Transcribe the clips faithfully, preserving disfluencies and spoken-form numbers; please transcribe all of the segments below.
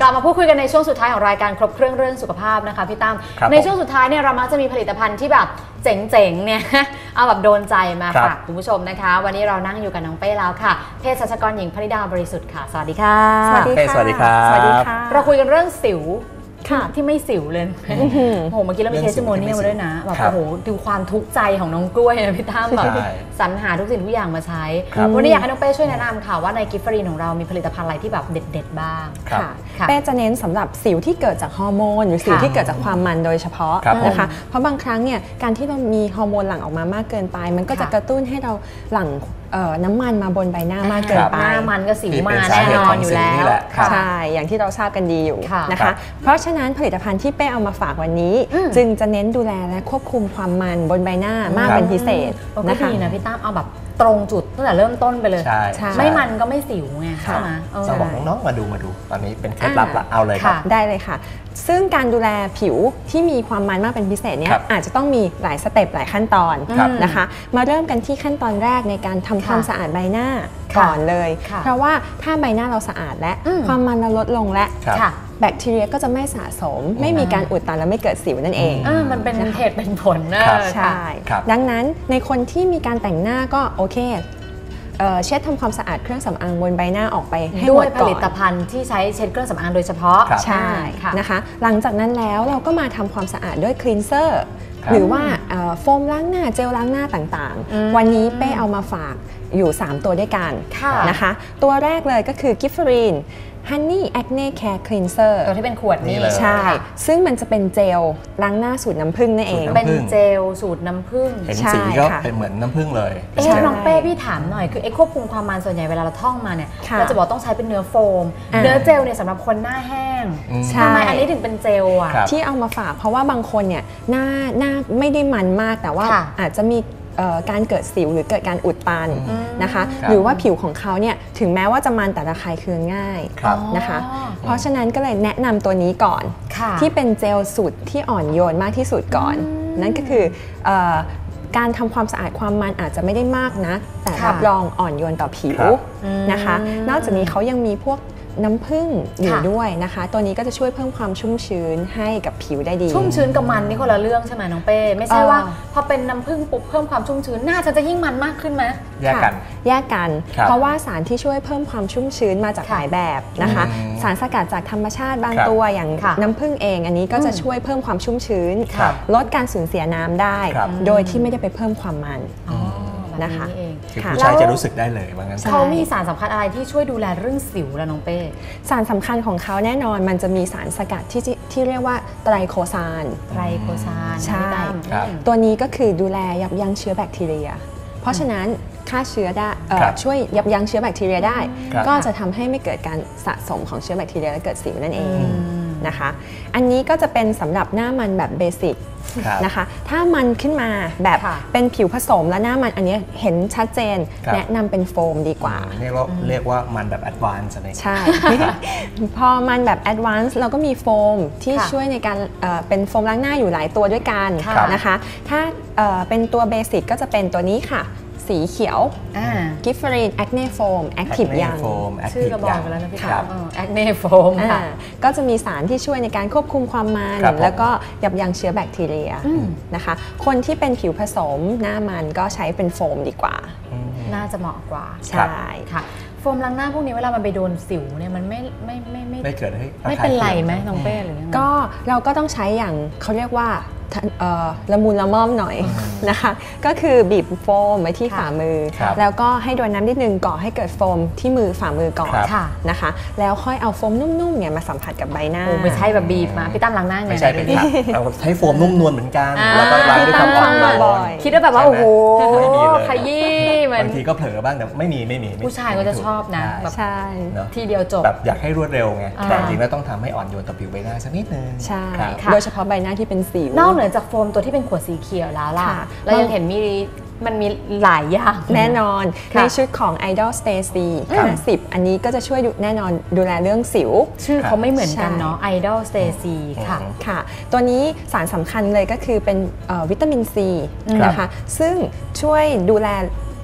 กลับมาพูดคุยกันในช่วงสุดท้ายของรายการครบเครื่องเรื่องสุขภาพนะคะพี่ตั้มในช่วงสุดท้ายเนี่ยเรามักจะมีผลิตภัณฑ์ที่แบบเจ๋งๆเนี่ยเอาแบบโดนใจมาฝากคุณผู้ชมนะคะวันนี้เรานั่งอยู่กับน้องเป้แล้วค่ะเภสัชกรหญิงพนิดาบริสุทธิ์ค่ะสวัสดีค่ะสวัสดีค่ะสวัสดีครับสวัสดีค่ะเราคุยกันเรื่องสิวที่ไม่สิวเลยโอ้โหเมื่อกี้เรามีเทสติโมเนียลมาด้วยนะแบบโอ้โหดูความทุกข์ใจของน้องกล้วยนะพี่ตั้มแบบสรรหาทุกสิ่งทุกอย่างมาใช้วันนี้อยากให้น้องเป้ช่วยแนะนำค่ะว่าในกิฟฟรีนของเรามีผลิตภัณฑ์อะไรที่แบบเด็ดๆบ้างค่ะเป้จะเน้นสำหรับสิวที่เกิดจากฮอร์โมนหรือสิวที่เกิดจากความมันโดยเฉพาะนะคะเพราะบางครั้งเนี่ยการที่เรามีฮอร์โมนหลั่งออกมามากเกินไปมันก็จะกระตุ้นให้เราหลั่งน้ำมันมาบนใบหน้ามากเกินไปหน้ามันก็สิวมาแน่นอนอยู่แล้วใช่อย่างที่เราทราบกันดีอยู่นะคะเพราะฉะนั้นผลิตภัณฑ์ที่เป้เอามาฝากวันนี้จึงจะเน้นดูแลและควบคุมความมันบนใบหน้ามากเป็นพิเศษนะคะดีนะพี่ตั้มเอาแบบตรงจุดตั้งแต่เริ่มต้นไปเลยไม่มันก็ไม่สิวไงใช่ไหมจะบอกน้องๆมาดูมาดูตอนนี้เป็นเคล็ดลับละเอาเลยครับได้เลยค่ะซึ่งการดูแลผิวที่มีความมันมากเป็นพิเศษเนี่ยอาจจะต้องมีหลายสเต็ปหลายขั้นตอนนะคะมาเริ่มกันที่ขั้นตอนแรกในการทำความสะอาดใบหน้าก่อนเลยเพราะว่าถ้าใบหน้าเราสะอาดและความมันเราลดลงและแบคทีเรียก็จะไม่สะสมไม่มีการอุดตันและไม่เกิดสิวนั่นเองมันเป็นเหตุเป็นผลนะใช่ดังนั้นในคนที่มีการแต่งหน้าก็โอเคเช็ดทำความสะอาดเครื่องสำอางบนใบหน้าออกไปให้หมดก่อนด้วยผลิตภัณฑ์ที่ใช้เช็ดเครื่องสำอางโดยเฉพาะใช่นะคะหลังจากนั้นแล้วเราก็มาทำความสะอาดด้วยคลีนเซอร์หรือว่าโฟมล้างหน้าเจลล้างหน้าต่างๆวันนี้เป้เอามาฝากอยู่สามตัวด้วยกันนะคะตัวแรกเลยก็คือกิฟเฟอรีนHoney Acne Care Cleanser ตัวที่เป็นขวดนี้ใช่ซึ่งมันจะเป็นเจลล้างหน้าสูตรน้ำผึ้งนั่นเองเป็นเจลสูตรน้ำผึ้งเห็นสีก็เป็นเหมือนน้ำผึ้งเลยเอ๊ะน้องเป้พี่ถามหน่อยคือไอ้ควบคุมความมันส่วนใหญ่เวลาเราท่องมาเนี่ยเราจะบอกต้องใช้เป็นเนื้อโฟมเนื้อเจลเนี่ยสำหรับคนหน้าแห้งทำไมอันนี้ถึงเป็นเจลอ่ะที่เอามาฝากเพราะว่าบางคนเนี่ยหน้าหน้าไม่ได้มันมากแต่ว่าอาจจะมีการเกิดสิวหรือเกิดการอุดตันนะคะหรือว่าผิวของเขาเนี่ยถึงแม้ว่าจะมันแต่ระคายเคืองง่ายนะคะเพราะฉะนั้นก็เลยแนะนำตัวนี้ก่อนที่เป็นเจลสูตรที่อ่อนโยนมากที่สุดก่อนนั่นก็คือการทำความสะอาดความมันอาจจะไม่ได้มากนะแต่รับรองอ่อนโยนต่อผิวนะคะนอกจากนี้เขายังมีพวกน้ำผึ้งอยู่ด้วยนะคะตัวนี้ก็จะช่วยเพิ่มความชุ่มชื้นให้กับผิวได้ดีชุ่มชื้นกับมันนี่คนละเรื่องใช่ไหมน้องเป้ไม่ใช่ว่าพอเป็นน้ำผึ้งปุ๊บเพิ่มความชุ่มชื้นหน้าจะจะยิ่งมันมากขึ้นไหมแยกกันแยกกันเพราะว่าสารที่ช่วยเพิ่มความชุ่มชื้นมาจากหลายแบบนะคะสารสกัดจากธรรมชาติบางตัวอย่างน้ำผึ้งเองอันนี้ก็จะช่วยเพิ่มความชุ่มชื้นลดการสูญเสียน้ำได้โดยที่ไม่ได้ไปเพิ่มความมันนะคะคือผู้ชายจะรู้สึกได้เลยว่างั้นเขามีสารสำคัญอะไรที่ช่วยดูแลเรื่องสิวล่ะน้องเป้สารสำคัญของเขาแน่นอนมันจะมีสารสกัดที่ที่เรียกว่าไตรโคซานไตรโคซานใช่ตัวนี้ก็คือดูแลยับยั้งเชื้อแบคทีเรียเพราะฉะนั้นฆ่าเชื้อได้ช่วยยับยั้งเชื้อแบคทีเรียได้ก็จะทำให้ไม่เกิดการสะสมของเชื้อแบคทีเรียและเกิดสิวนั่นเองนะคะอันนี้ก็จะเป็นสำหรับหน้ามันแบบเบสิกนะคะถ้ามันขึ้นมาแบบเป็นผิวผสมและหน้ามันอันนี้เห็นชัดเจนแนะนำเป็นโฟมดีกว่าเรียกว่าเรียกว่ามันแบบแอดวานซ์ใช่พอมันแบบแอดวานซ์เราก็มีโฟมที่ช่วยในการเป็นโฟมล้างหน้าอยู่หลายตัวด้วยกันนะคะถ้าเป็นตัวเบสิกก็จะเป็นตัวนี้ค่ะสีเขียวกิฟเฟอรีนแอคเน่โฟมแอคทีฟยังชื่อกระบอกไปแล้วนะพี่ครับแอคเน่โฟมก็จะมีสารที่ช่วยในการควบคุมความมันแล้วก็ยับยั้งเชื้อแบคทีเรียนะคะคนที่เป็นผิวผสมหน้ามันก็ใช้เป็นโฟมดีกว่าน่าจะเหมาะกว่าใช่ค่ะโฟมล้างหน้าพวกนี้เวลามันไปโดนสิวเนี่ยมันไม่ไม่ไม่ไม่ไม่เกิดให้ไม่เป็นไรไหมน้องเป้หรือยังไงก็เราก็ต้องใช้อย่างเขาเรียกว่าละมุนละม่อมหน่อยนะคะก็คือบีบโฟมไว้ที่ฝ่ามือแล้วก็ให้โดนน้ำนิดนึงก่อให้เกิดโฟมที่มือฝ่ามือก่อนนะคะแล้วค่อยเอาโฟมนุ่มๆเนี่ยมาสัมผัสกับใบหน้าไม่ใช่แบบบีบมาพี่ตั้มล้างหน้าไงไม่ใช่เป็นค่ะเราใช้โฟมนุ่มนวลเหมือนกันแล้วก็ล้างด้วยความอ่อนโยนคิดว่าแบบว่าโอ้โหขยี้มันบางทีก็เผลอบ้างแต่ไม่มีไม่มีผู้ชายก็จะชอบนะแบบทีเดียวจบแบบอยากให้รวดเร็วไงแต่จริงแล้วต้องทำให้อ่อนโยนต่อผิวใบหน้าสักนิดนึงใช่โดยเฉพาะใบหน้าที่เป็นสิวนอกเหนือจากโฟมตัวที่เป็นขวดสีเขียวแล้วล่ะแล้วยังเห็นมีมันมีหลายอย่างแน่นอนในชุดของ Idol Stacy ห้าสิบอันนี้ก็จะช่วยแน่นอนดูแลเรื่องสิวชื่อเขาไม่เหมือนกันเนาะ Idol Stacy ค่ะค่ะตัวนี้สารสำคัญเลยก็คือเป็นวิตามินซีนะคะซึ่งช่วยดูแล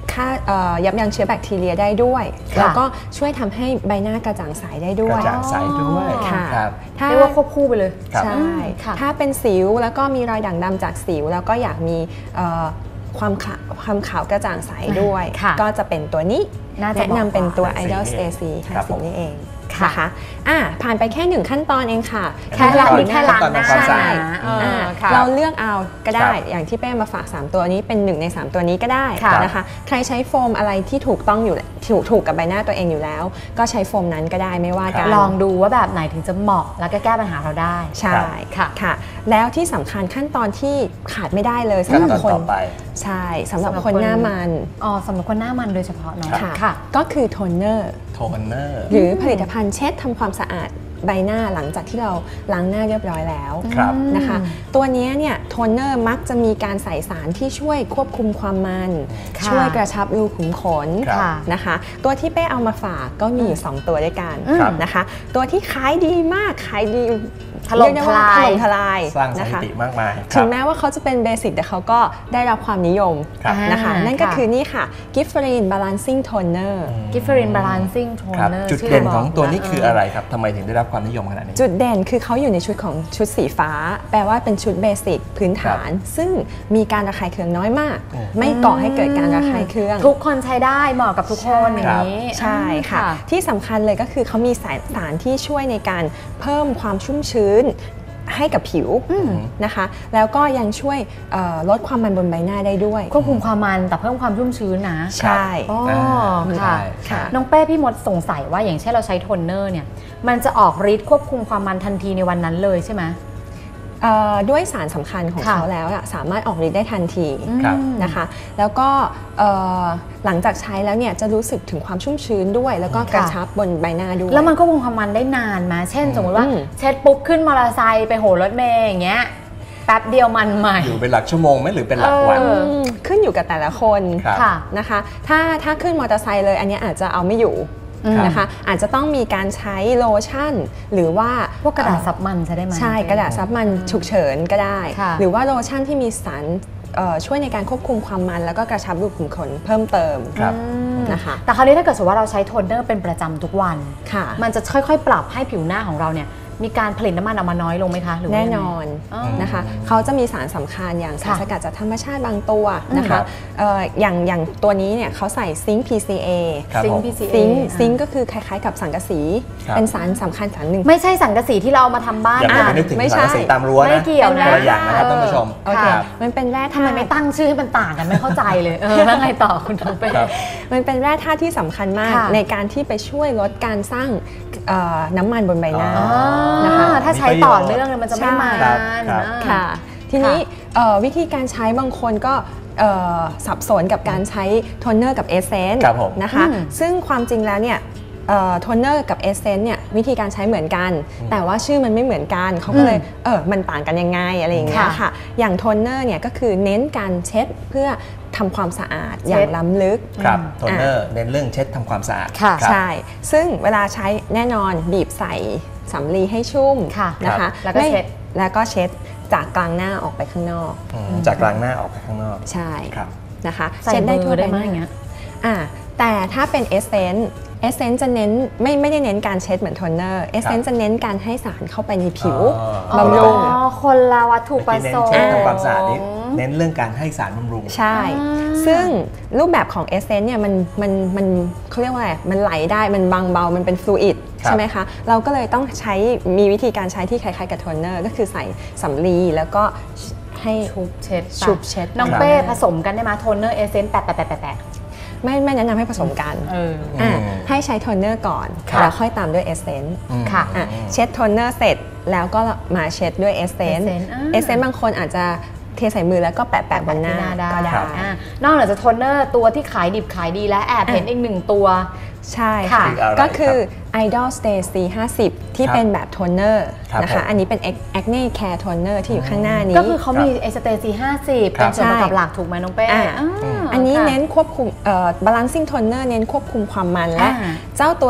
ฆ่ายับยั้งเชื้อแบคทีเรียได้ด้วยแล้วก็ช่วยทำให้ใบหน้ากระจ่างใสได้ด้วยกระจ่างใสด้วยค่ะเรียกว่าควบคู่ไปเลยใช่ถ้าเป็นสิวแล้วก็มีรอยด่างดำจากสิวแล้วก็อยากมีความขาวความขาวกระจ่างใสด้วยก็จะเป็นตัวนี้แนะนำเป็นตัว Idol Stacy ค่ะสีนี้เองนะคะอ่ะผ่านไปแค่หนึ่งขั้นตอนเองค่ะแค่ล้างแค่ล้างหน้าใช่เราเลือกเอาก็ได้อย่างที่เป้มาฝากสามตัวนี้เป็นหนึ่งในสามตัวนี้ก็ได้นะคะใครใช้โฟมอะไรที่ถูกต้องอยู่ถูกถูกกับใบหน้าตัวเองอยู่แล้วก็ใช้โฟมนั้นก็ได้ไม่ว่ากันลองดูว่าแบบไหนถึงจะเหมาะแล้วก็แก้ปัญหาเราได้ใช่ค่ะค่ะแล้วที่สำคัญขั้นตอนที่ขาดไม่ได้เลยสำหรับคนใช่สำหรับคนหน้ามันอ๋อสำหรับคนหน้ามันโดยเฉพาะเนาะค่ะก็คือโทนเนอร์โทนเนอร์หรือผลิตภัณฑ์เช็ดทำความสะอาดใบหน้าหลังจากที่เราล้างหน้าเรียบร้อยแล้วนะคะตัวนี้เนี่ยโทนเนอร์มักจะมีการใส่สารที่ช่วยควบคุมความมันช่วยกระชับรูขุมขนนะคะตัวที่เป้เอามาฝากก็มีอยู่สองตัวด้วยกันนะคะตัวที่ขายดีมากขายดีถล่มทลายทลายสร้างสถิติมากมายถึงแม้ว่าเขาจะเป็นเบสิกแต่เขาก็ได้รับความนิยมนะคะนั่นก็คือนี่ค่ะ Gifferin Balancing Toner Gifferin Balancing Toner จุดเด่นของตัวนี้คืออะไรครับทำไมถึงได้รับความนิยมขนาดนี้จุดเด่นคือเขาอยู่ในชุดของชุดสีฟ้าแปลว่าเป็นชุดเบสิกพื้นฐานซึ่งมีการระคายเคืองน้อยมากไม่ก่อให้เกิดการระคายเคืองทุกคนใช้ได้เหมาะกับทุกคนอย่างนี้ใช่ค่ะที่สำคัญเลยก็คือเขามีสารที่ช่วยในการเพิ่มความชุ่มชื้นให้กับผิวนะคะแล้วก็ยังช่วยลดความมันบนใบหน้าได้ด้วยควบคุมความมันแต่เพิ่มความชุ่มชื้นนะใช่อ๋อค่ะน้องเป้พี่มดสงสัยว่าอย่างเช่นเราใช้โทนเนอร์เนี่ยมันจะออกฤทธิ์ควบคุมความมันทันทีในวันนั้นเลยใช่ไหมด้วยสารสำคัญของเขาแล้วสามารถออกฤทธิ์ได้ทันทีนะคะแล้วก็หลังจากใช้แล้วเนี่ยจะรู้สึกถึงความชุ่มชื้นด้วยแล้วก็กระชับบนใบหน้าด้วยแล้วมันก็คงความมันได้นานมาเช่นสมมติว่าเช็ดปุ๊บขึ้นมอเตอร์ไซค์ไปโหรถเมย์อย่างเงี้ยแป๊บเดียวมันใหม่อยู่เป็นหลักชั่วโมงไหมหรือเป็นหลักวันขึ้นอยู่กับแต่ละคนนะคะถ้าถ้าขึ้นมอเตอร์ไซค์เลยอันนี้อาจจะเอาไม่อยู่นะคะอาจจะต้องมีการใช้โลชั่นหรือว่าพวกกระดาษซับมันใช้ได้ไหมใช่กระดาษซับมันฉุกเฉินก็ได้หรือว่าโลชั่นที่มีสารช่วยในการควบคุมความมันแล้วก็กระชับรูขุมขนเพิ่มเติมนะคะแต่คราวนี้ถ้าเกิดสมมติว่าเราใช้โทนเนอร์เป็นประจำทุกวันมันจะค่อยๆปรับให้ผิวหน้าของเราเนี่ยมีการผลิตน้ำมันออกมาน้อยลงไหมคะหรือแน่นอนนะคะเขาจะมีสารสำคัญอย่างสารสกัดจากธรรมชาติบางตัวนะคะอย่างอย่างตัวนี้เนี่ยเขาใส่ซิงค์ พี ซี เอซิงค์ พี ซี เอซิงค์ก็คือคล้ายๆกับสังกะสีเป็นสารสำคัญสารหนึ่งไม่ใช่สังกะสีที่เราเอามาทำบ้านอย่าไปนึกถึงสังกะสีตามรั้วนะไม่เกี่ยวนะตัวอย่างนะครับท่านผู้ชมมันเป็นแร่ทำไมไม่ตั้งชื่อให้มันต่างกันไม่เข้าใจเลยเออแล้วไงต่อคุณทองเป้มันเป็นแร่ธาตุที่สำคัญมากในการที่ไปช่วยลดการสร้างน้ำมันบนใบหน้านะคะถ้าใช้ต่อเนื่องมันจะไม่มันค่ะทีนี้วิธีการใช้บางคนก็สับสนกับการใช้โทนเนอร์กับเอเซนส์นะคะซึ่งความจริงแล้วเนี่ยโทนเนอร์กับเอเซนส์เนี่ยวิธีการใช้เหมือนกันแต่ว่าชื่อมันไม่เหมือนกันเขาก็เลยเออมันต่างกันยังไงอะไรอย่างเงี้ยค่ะอย่างโทนเนอร์เนี่ยก็คือเน้นการเช็ดเพื่อทำความสะอาดอย่างล้ำลึกครับโทนเนอร์เน้นเรื่องเช็ดทำความสะอาดใช่ซึ่งเวลาใช้แน่นอนบีบใส่สำลีให้ชุ่มนะคะแล้วก็เช็ดแล้วก็เช็ดจากกลางหน้าออกไปข้างนอกจากกลางหน้าออกไปข้างนอกใช่นะคะเช็ดได้ทั่วไปอย่างเงี้ยอ่าแต่ถ้าเป็นเอเซนส์เอเซนส์จะเน้นไม่ไม่ได้เน้นการเช็ดเหมือนโทนเนอร์เอเซนส์จะเน้นการให้สารเข้าไปในผิวบำรุงคนละวัตถุประสงค์เน้นทำความสะอาดนี้เน้นเรื่องการให้สารบำรุงใช่ซึ่งรูปแบบของเอเซนส์เนี่ยมันมันมันเขาเรียกว่าอะไรมันไหลได้มันบางเบามันเป็นฟลูอิดใช่ไหมคะเราก็เลยต้องใช้มีวิธีการใช้ที่คล้ายๆกับโทนเนอร์ก็คือใส่สำลีแล้วก็ให้ชุบเช็ดชุบเช็ดน้องเป้ผสมกันได้ไหมโทนเนอร์เอเซนส์แปะแปะแปะแปะไม่ไม่แนะนำให้ผสมกันให้ใช้โทนเนอร์ก่อนแล้วค่อยตามด้วยเอเซนส์ค่ะเช็ดโทนเนอร์เสร็จแล้วก็มาเช็ดด้วยเอเซนส์เอเซนส์บางคนอาจจะเทใส่มือแล้วก็แปะแปะบนหน้าก็ได้นอกจากจะโทนเนอร์ตัวที่ขายดิบขายดีและแอบเห็นอีกหนึ่งตัวใช่ค่ะก็คือ Idol Stacy ห้าสิบที่เป็นแบบโทนเนอร์นะคะอันนี้เป็น Acne Care Toner ที่อยู่ข้างหน้านี้ก็คือเขามี Stacy ห้าสิบเป็นส่วนประกอบหลักถูกไหมน้องเป้อันนี้เน้นควบคุม Balancing Toner เน้นควบคุมความมันและเจ้าตัว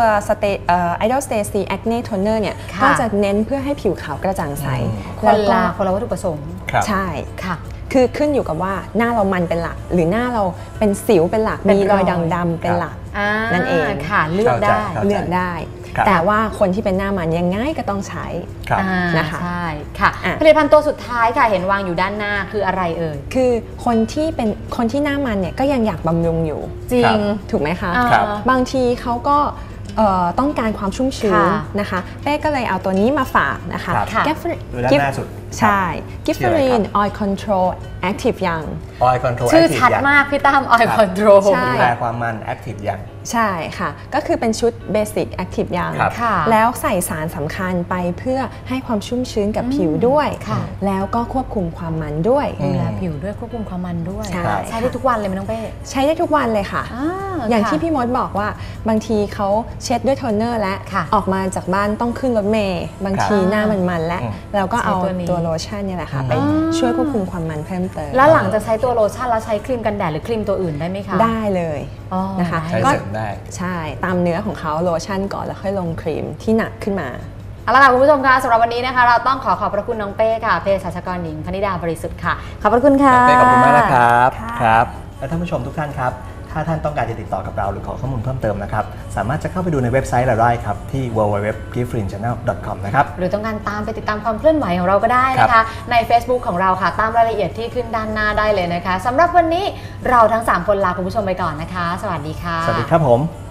Idol Stacy Acne Toner เนี่ยก็จะเน้นเพื่อให้ผิวขาวกระจ่างใสคนละคนละวัตถุประสงค์ใช่ค่ะคือขึ้นอยู่กับว่าหน้าเรามันเป็นหลักหรือหน้าเราเป็นสิวเป็นหลักมีรอยด่างดำเป็นหลักนั่นเองค่ะเลือกได้เลือกได้แต่ว่าคนที่เป็นหน้ามันยังไงก็ต้องใช้นะคะใช่ค่ะผลิตภัณฑ์ตัวสุดท้ายค่ะเห็นวางอยู่ด้านหน้าคืออะไรเอ่ยคือคนที่เป็นคนที่หน้ามันเนี่ยก็ยังอยากบำรุงอยู่จริงถูกไหมคะบางทีเขาก็ต้องการความชุ่มชื้นนะคะเป้ก็เลยเอาตัวนี้มาฝากนะคะกิฟต์ใช่ Gifferine Oil Control Active Young Oil Control ชื่อชัดมากพี่ตั้ม Oil Control ดูแลความมัน Active Young ใช่ค่ะก็คือเป็นชุด Basic Active Young แล้วใส่สารสำคัญไปเพื่อให้ความชุ่มชื้นกับผิวด้วยแล้วก็ควบคุมความมันด้วยดูแลผิวด้วยควบคุมความมันด้วยใช้ได้ทุกวันเลยไหมน้องเป้ใช้ได้ทุกวันเลยค่ะอย่างที่พี่มดบอกว่าบางทีเขาเช็ดด้วยโทนเนอร์และออกมาจากบ้านต้องขึ้นรถเมล์บางทีหน้ามันมันและเราก็เอาตัวโลชั่นเนี่ยแหละค่ะไปช่วยควบคุมความมันเพิ่มเติมแล้วหลังจากใช้ตัวโลชั่นแล้วใช้ครีมกันแดดหรือครีมตัวอื่นได้ไหมคะได้เลยนะคะใช้เสริมได้ใช่ตามเนื้อของเขาโลชั่นก่อนแล้วค่อยลงครีมที่หนักขึ้นมาเอาละค่ะคุณผู้ชมคะสำหรับวันนี้นะคะเราต้องขอขอบพระคุณน้องเป้ค่ะเภสัชกรหญิงพนิดาบริสุทธิ์ค่ะขอบพระคุณค่ะเป้ขอบคุณมากนะครับครับและท่านผู้ชมทุกท่านครับถ้าท่านต้องการจะติดต่อกับเราหรือขอข้อมูลเพิ่มเติมนะครับสามารถจะเข้าไปดูในเว็บไซต์เราได้ครับที่ ดับเบิลยู ดับเบิลยู ดับเบิลยู ดอท gifrin channel ดอท คอม นะครับหรือต้องการตามไปติดตามความเคลื่อนไหวของเราก็ได้นะคะใน Facebook ของเราค่ะตามรายละเอียดที่ขึ้นด้านหน้าได้เลยนะคะสำหรับวันนี้เราทั้งสามคนลาคุณผู้ชมไปก่อนนะคะสวัสดีค่ะสวัสดีครับผม